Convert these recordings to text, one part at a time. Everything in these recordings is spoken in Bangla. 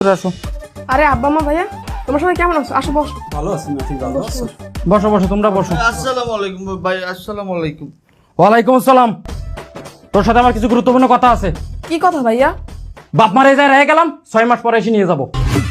আসো। আরে আব্বা মা ভাইয়া তোমার সবাই কেমন আছো? আসো বসো। ভালো আছি না? ঠিক ভালো আছি। বসো বসো, তোমরা বসো। আসসালামু আলাইকুম ভাই। আসসালামু আলাইকুম। ওয়ালাইকুম আসসালাম। তোর সাথে আমার কিছু গুরুত্বপূর্ণ কথা আছে। কি কথা ভাইয়া? বাপ মারে যায় রয়ে গেলাম, 6 মাস পরে এসে নিয়ে যাব।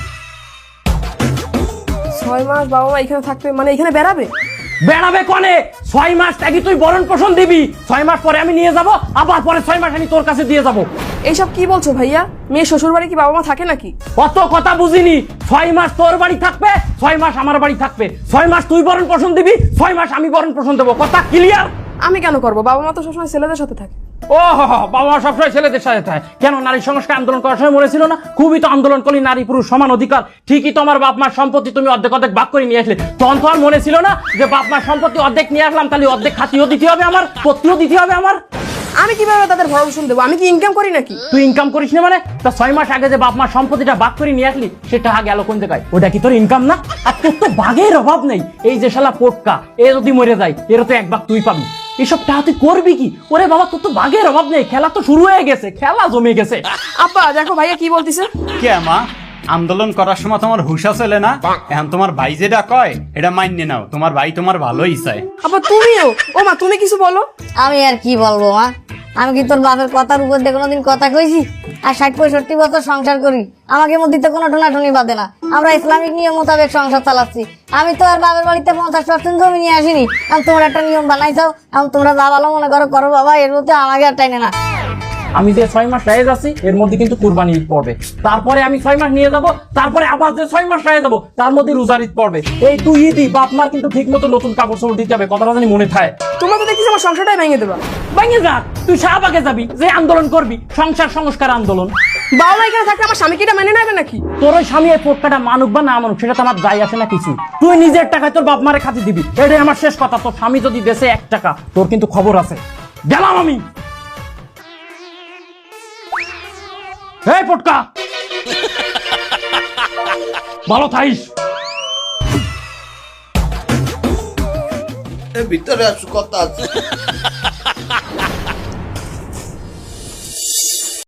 6 মাস বাবা মা এখানে থাকবে, মানে এখানে বেড়াবে? বেড়াবে কনে? 6 মাস থাকি তুই বরণ পোষণ দিবি, 6 মাস পরে আমি নিয়ে যাব, আবার পরে 6 মাস আমি তোর কাছে দিয়ে যাব। এইসব কি বলছো ভাইয়া? মেয়ে শ্বশুর বাড়ি কি বাবা মা থাকে নাকি? অত কথা বুঝিনি। 6 মাস তোর বাড়ি থাকবে, 6 মাস আমার বাড়ি থাকবে। 6 মাস তুই বরণ পোষণ দিবি, 6 মাস আমি বরণ পোষণ দেবো। কথা ক্লিয়ার? আমি কেন করবো? বাবা মা তো সবসময় ছেলেদের সাথে থাকে। ও বাবা মা সবসময় ছেলেদের সাথে থাকে কেন? নারী সংস্কার আন্দোলন করার সময় মনে ছিল না? খুবই তো আন্দোলন করলি, নারী পুরুষ সমান অধিকার। ঠিকই, তোমার বাপ মার সম্পত্তি তুমি অর্ধেক অর্ধেক ভাগ করে নিয়ে আসলে। তখন তো আর মনে ছিল না যে বাপ মার সম্পত্তি অর্ধেক নিয়ে আসলাম, তাহলে অর্ধেক খাতিও দিতে হবে আমার, পত্রিও দিতে হবে আমার। আমি কিভাবে তাদের ভরণ পোষণ দেবো? আমি কি ইনকাম করি নাকি? তুই ইনকাম করিস না মানে? তা 6 মাস আগে যে বাপ মার সম্পত্তিটা ভাগ করে নিয়ে আসলি, সেটা গেল কোন জায়গায়? ওটা কি তোর ইনকাম না? আর তোর তো ভাগের অভাব নেই। এই যে শালা পোটকা, এ যদি মরে যায়, এর তো এক ভাগ তুই পাবি। এসব টাকা তুই করবি কি? ওরে বাবা, তোর তো ভাগের অভাব নেই। খেলা তো শুরু হয়ে গেছে, খেলা জমে গেছে। আপা দেখো ভাইয়া কি বলতিছে। কে মা, আন্দোলন করার সময় তোমার হুশা চলে না? এখন তোমার ভাই যেটা কয় এটা মান্য নাও। তোমার ভাই তোমার ভালোই চায়। আপা তুমিও? ও মা তুমি কিছু বলো। আমি আর কি বলবো মা, আমি কি তোর বাপের কথার উপর দিয়ে কোনোদিন কথা কইছি? আর 60-65 বছর সংসার করি, আমাকে মধ্যে তো কোনো টোনাটুনি বাদে না। আমরা ইসলামিক নিয়ম মোতাবেক সংসার চালাচ্ছি। আমি তো আর বাপের বাড়িতে 50% জমি নিয়ে আসিনি। আমি তোমরা একটা নিয়ম বানাইছাও, আমি তোমরা যা ভালো মনে করো করো বাবা, এর মধ্যে আমাকে আর টাইনে না। আমি যে 6 মাস রয়ে যাচ্ছি, এর মধ্যে কিন্তু কুরবানি ঈদ পড়বে। তারপরে আমি 6 মাস নিয়ে যাব, তারপরে আবার যে 6 মাস রয়ে যাবো, তার মধ্যে রোজার ঈদ পড়বে। এই তুই ঈদই বাপ মার কিন্তু ঠিক মতো নতুন কাপড় চোপড় দিতে হবে। কথাটা জানি মনে থাকে। তোমরা তো দেখছি আমার সংসারটাই ভেঙে দেবা। ভেঙে যা, তুই শাহবাগে যাবি, যে আন্দোলন করবি, সংসার সংস্কার আন্দোলন। বাবা মা এখানে থাকলে আমার স্বামীকে এটা মেনে নেবে নাকি? তোর ওই স্বামী এই পোটকাটা মানুক বা না মানুক, সেটা তো আমার যাই আসে না কিছু। তুই নিজের টাকায় তোর বাপ মারে খাতি দিবি, এটাই আমার শেষ কথা। তোর স্বামী যদি দেশে 1 টাকা, তোর কিন্তু খবর আছে। গেলাম আমি। এই পোটকা, ভালো থাইস। ভিতরে আসো, কথা আছে।